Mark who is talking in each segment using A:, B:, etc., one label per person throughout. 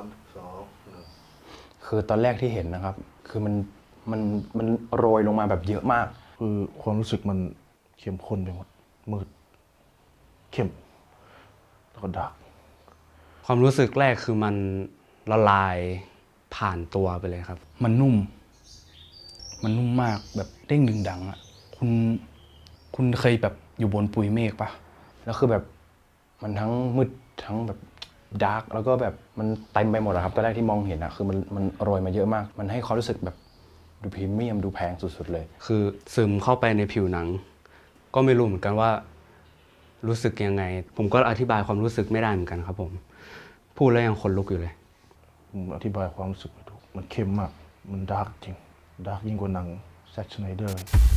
A: 3 2 1
B: คือตอนแรกที่เห็นนะครับ คือมันโรยลงมาแบบเยอะมาก
A: คือความรู้สึกมันเข้มข้นไปหมดมืดเข้มแล้วก็ดาร์ก
C: ความรู้สึกแรกคือมันละลายผ่านตัวไปเลยครับ
B: มันนุ่มมากแบบเด้งดึงดังอ่ะคุณเคยแบบอยู่บนปุยเมฆปะแล้วคือแบบมันทั้งมืดทั้งแบบดาร์กแล้วก็แบบมันเต็มไปหมดอะครับตอนแรกที่มองเห็นอะคือมันโรยมาเยอะมากมันให้ความรู้สึกแบบดูพรีเมียมดูแพงสุดๆเลย
C: คือซึมเข้าไปในผิวหนังก็ไม่รู้เหมือนกันว่ารู้สึกยังไงผมก็อธิบายความรู้สึกไม่ได้เหมือนกันครับผมพูดแล้วยังขนลุกอยู่เลย
A: อธิบายความรู้สึกไม่ถูกมันเข้มมากมันดาร์กจริงดาร์กยิ่งกว่าหนังแซ็กชไนเดอร์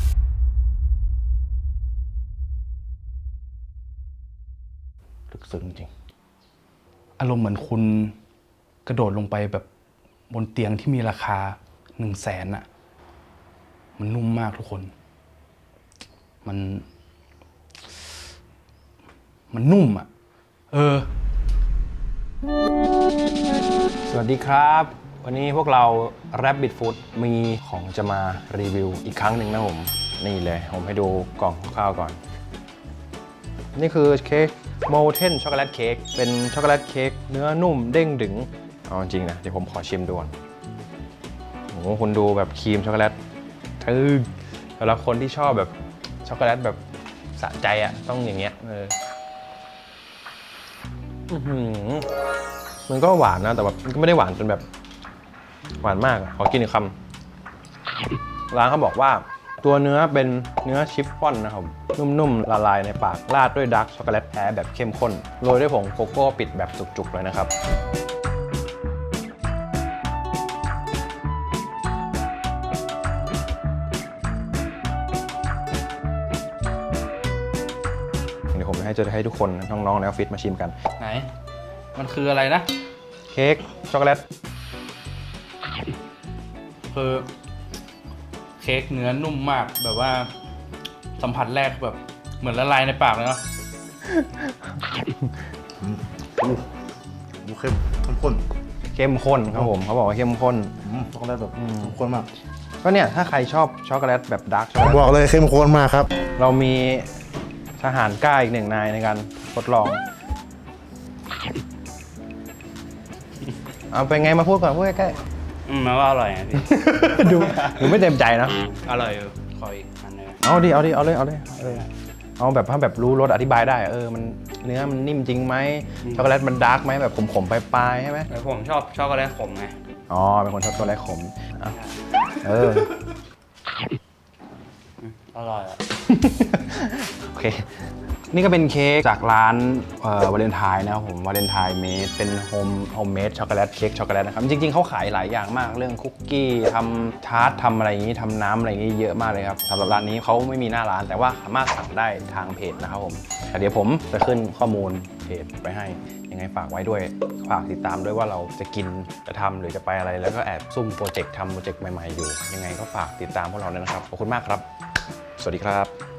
A: ลึกซึ้งจริง
B: อารมณ์เหมือนคุณกระโดดลงไปแบบบนเตียงที่มีราคา100,000อะมันนุ่มมากทุกคนมันนุ่มอะสวัสดีครับ วันนี้พวกเรา Rabbit Food มีของจะมารีวิวอีกครั้งหนึ่งนะผมนี่เลยผมให้ดูกล่องคร่าวๆก่อนนี่คือเค้ก Molten Chocolate Cake เป็นช็อกโกแลตเค้กเนื้อนุ่มเด้งดึงเอาจริงนะเดี๋ยวผมขอชิมดูก่อนโอ้โหคุณดูแบบครีมช็อกโกแลตสำหรับคนที่ชอบแบบช็อกโกแลตแบบสะใจอ่ะต้องอย่างเงี้ยมันก็หวานนะแต่แบบมันก็ไม่ได้หวานจนแบบหวานมากขอกินอีกคำร้านเขาบอกว่าตัวเนื้อเป็นเนื้อชิฟฟ่อนนะครับนุ่มๆละลายในปากราดด้วยดาร์กช็อกโกแลตแท้แบบเข้มข้นโรยด้วยผงโกโก้ปิดแบบจุกๆเลยนะครับเดี๋ยวผมจะให้ทุกคนน้องๆในออฟฟิศมาชิมกันไหนมันคืออะไรนะเค้กช็อกโกแลตคือเค้กเนื้อนุ่มมากแบบว่าสัมผัสแรกแบบเหมือนละลายในปากเลยเนาะ
A: ดูเข้มข้น
B: เข้มข้นครับผมเขาบอกว่าเข้มข้น
A: ช็อกโกแลตแบบเข้มข้นมาก
B: ก็เนี่ยถ้าใครชอบช็อกโกแลตแบบดาร์กช็อกโกแลต
A: บอกเลยเข้มข้นมากครับ
B: เรามีทหารกล้าอีก1 นายในการทดลองเอาเป็นไงมาพูดก่อนพูดใกล้
C: มันว่าอร่อยนะพี่
B: ๆดูไม่เต็มใจนะ
C: อร่อยขออีกอันนึง
B: เอาเลยเอาแบบถ้าแบบรู้รสอธิบายได้มันเนื้อมันนิ่มจริงไหมช็อกโกแลตมันดาร์กไหมแบบขมๆปลายๆใช่ไหม
C: ผมชอบช็อกโกแลตขมไง
B: อ๋อเป็นคนชอบช็อกโกแลตขม
C: อร่อย
B: โอเคนี่ก็เป็นเค้กจากร้านวาเลนไทน์นะครับผมวาเลนไทน์เมดเป็นโฮมเมดช็อกโกแลตเค้กช็อกโกแลตนะครับจริงๆเขาขายหลายอย่างมากเรื่องคุกกี้ทำทาร์ตทำอะไรอย่างนี้ทำน้ำอะไรอย่างนี้เยอะมากเลยครับสำหรับร้านนี้เขาไม่มีหน้าร้านแต่ว่าสามารถสั่งได้ทางเพจนะครับผมเดี๋ยวผมจะขึ้นข้อมูลเพจไปให้ยังไงฝากไว้ด้วยฝากติดตามด้วยว่าเราจะกินจะทำหรือจะไปอะไรแล้วก็แอบซุ่มโปรเจกต์ทำโปรเจกต์ใหม่ๆอยู่ยังไงก็ฝากติดตามพวกเราด้วยนะครับขอบคุณมากครับสวัสดีครับ